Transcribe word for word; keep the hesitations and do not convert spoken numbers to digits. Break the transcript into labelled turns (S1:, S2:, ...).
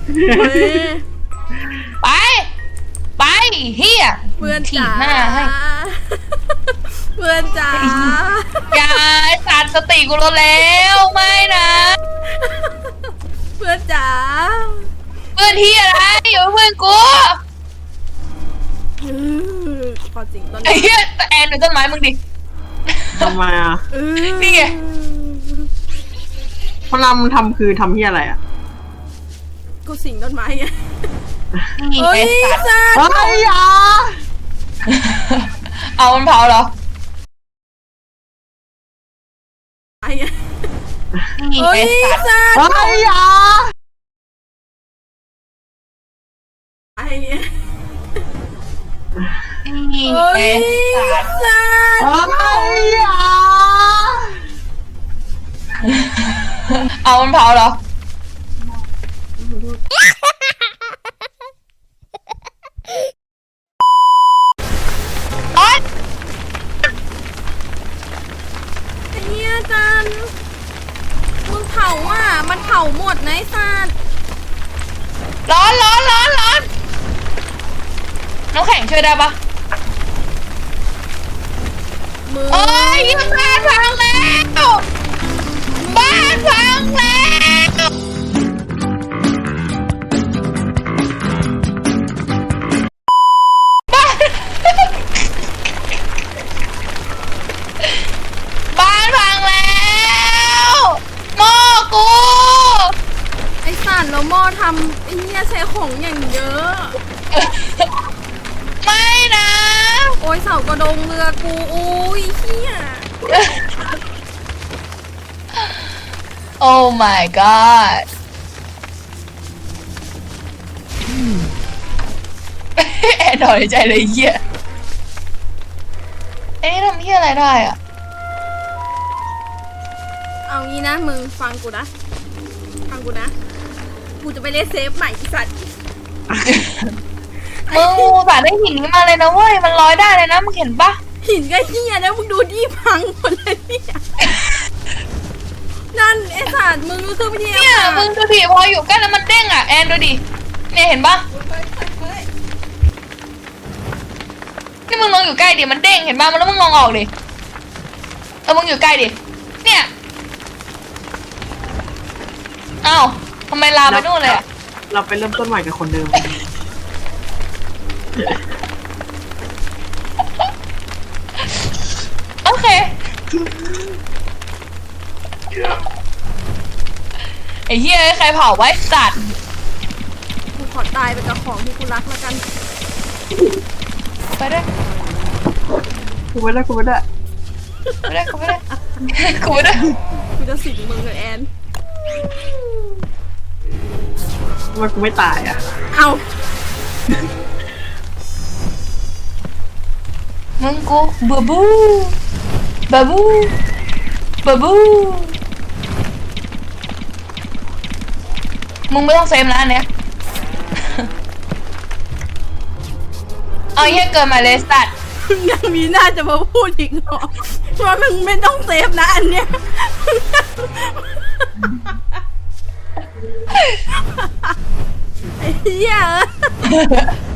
S1: เฮ้ย
S2: ไปไปเฮีย
S1: เพื่อน
S2: ถี
S1: จ๋า
S2: บหน้าให้
S1: เพื่อนจ๋า
S2: อย่าไอ้สัตว์สติกูลดแล้วไม่นะ
S1: เพื่อนจ๋า
S2: เพื่อนที่อะไรอยู่เพื่อนกู
S1: อือพอจริงต้น
S2: ไอ้เหี้ยแอนเป็นต้นไม้มึงดิ
S3: ทำไมอ่ะ
S1: อือ
S2: นี่ไง
S3: พลังทำคือทำที่อะไรอ่ะ
S1: กูสิงต้นไม้ไง
S2: นี่
S1: เฮ้ย
S2: ไอ้สัตว์
S1: สัตว์
S3: เฮ้ยอ่ะ
S2: เอามันเผาเหรอ
S1: ไอ้ไง
S2: นี่
S1: เฮ้ย
S2: ไอ้สัตว์
S1: สัตว์
S3: เฮ้ยอ่ะ
S1: ไอ้ไง
S2: นี่
S1: เฮ้ย
S2: ไอ้สัตว์
S1: สัตว์
S3: เฮ้ยอ่ะ
S2: เอามันเผาเหรอ โอ๊ย
S1: ไอ้เหี้ยจันมึงเผาอ่ะมันเผาหมดนะไอ้สัตว์
S2: ร้อนร้อนร้อนร้อนน้ำแข็งช่วยได้ปะ
S1: มึง
S2: โอ้ยบ้านพังแล้วบ้านพังแล้วบ้านบ้านพังแล้วหม้อกู
S1: ไอ้สัตว์แล้วหม้อทำไอ้เหี้ยใช้ของอย่างเยอะ
S2: ไม่นะ
S1: โอ้ยเสากระดงเรือกูอุ้ยเหี้ย
S2: โอ้ my god แอนถอยใจเลยเหี้ยไอ้นี่ทำเหี้ยอะไรได้อะ
S1: เอางี้นะมึงฟังกูนะฟังกูนะกูจะไปเล่นเซฟใหม่อีสัตว์
S2: มึงอุตส่าห์ได้หินนี้มาเลยนะเว้ย มันลอยได้เลยนะ มึงเห็นปะ
S1: หินก็เหี้ยแล้วมึงดูที่พังหมดเลยเนี่ยนั่นไอ้สัตว์มึงรู้สึกไม่ดี
S2: เนี่ย มึงดูดิพออยู่ใกล้แล้วมันเด้งอ่ะ แอนดูดิ เนี่ยเห็นปะนี่มึงลองอยู่ใกล้ดิ มันเด้งเห็นปะมันแล้วมึงลองออกดิ เออ มึงอยู่ใกล้ดิ เนี่ย อ้าวทำไมลามไปนู่นเลยอ่ะ
S3: เราไปเริ่มต้นใหม่กับคนเดิม
S2: โอเค ไอ้เหี้ยใครเผาไว้สัตว์
S1: กูขอตายไปกับของที่กูรักแล้วกัน
S2: ไปด้วย
S3: กูไม่ได้กูไม่ได้
S2: ไปด้วยกูไปด้วยกูไปด้วย
S1: กูจะสิงมึงกับแอน
S3: ทำไมกูไม่ตายอ่ะ
S1: เอา
S2: มึงกูบูบูบูบูบูบูมึงไม่ต้องเซฟนะอันเนี้ย เอาเหี้ยเกินมาเลยสัตว์
S1: มึงยังมีหน้าจะมาพูดอีกเหรอว่ามึงไม่ต้องเซฟนะอันเนี้ยไอ้เหี้ย